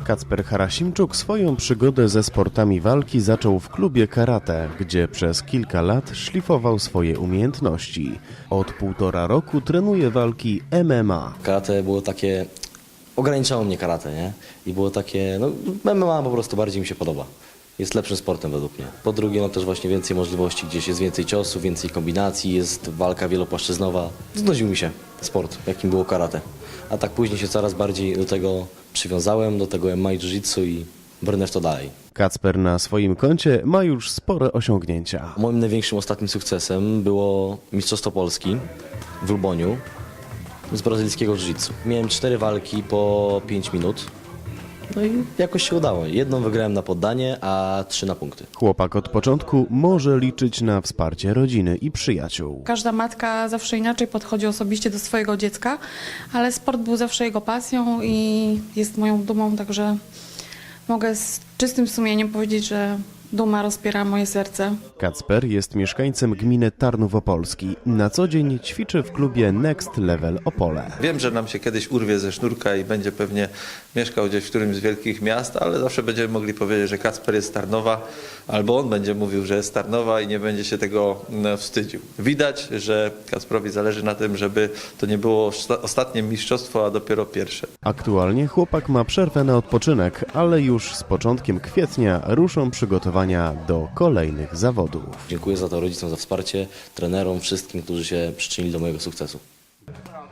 Kacper Harasimczuk swoją przygodę ze sportami walki zaczął w klubie karate, gdzie przez kilka lat szlifował swoje umiejętności. Od 1,5 roku trenuje walki MMA. Karate było takie, ograniczało mnie karate, nie? I było takie, MMA po prostu bardziej mi się podoba. Jest lepszym sportem według mnie. Po drugie, też właśnie więcej możliwości, gdzieś jest więcej ciosów, więcej kombinacji, jest walka wielopłaszczyznowa. Znudził mi się sport, jakim było karate. A tak później się coraz bardziej do tego przywiązałem, do tego MMA i jiu-jitsu i brnę w to dalej. Kacper na swoim koncie ma już spore osiągnięcia. Moim największym ostatnim sukcesem było Mistrzostwo Polski w Luboniu z brazylijskiego jiu-jitsu. Miałem 4 walki po 5 minut. No i jakoś się udało. Jedną wygrałem na poddanie, a 3 na punkty. Chłopak od początku może liczyć na wsparcie rodziny i przyjaciół. Każda matka zawsze inaczej podchodzi osobiście do swojego dziecka, ale sport był zawsze jego pasją i jest moją dumą, także mogę z czystym sumieniem powiedzieć, że duma rozpiera moje serce. Kacper jest mieszkańcem gminy Tarnów Opolski. Na co dzień ćwiczy w klubie Next Level Opole. Wiem, że nam się kiedyś urwie ze sznurka i będzie pewnie mieszkał gdzieś w którymś z wielkich miast, ale zawsze będziemy mogli powiedzieć, że Kacper jest z Tarnowa, albo on będzie mówił, że jest z Tarnowa i nie będzie się tego wstydził. Widać, że Kacprowi zależy na tym, żeby to nie było ostatnie mistrzostwo, a dopiero pierwsze. Aktualnie chłopak ma przerwę na odpoczynek, ale już z początkiem kwietnia ruszą przygotowania do kolejnych zawodów. Dziękuję za to rodzicom, za wsparcie, trenerom, wszystkim, którzy się przyczynili do mojego sukcesu.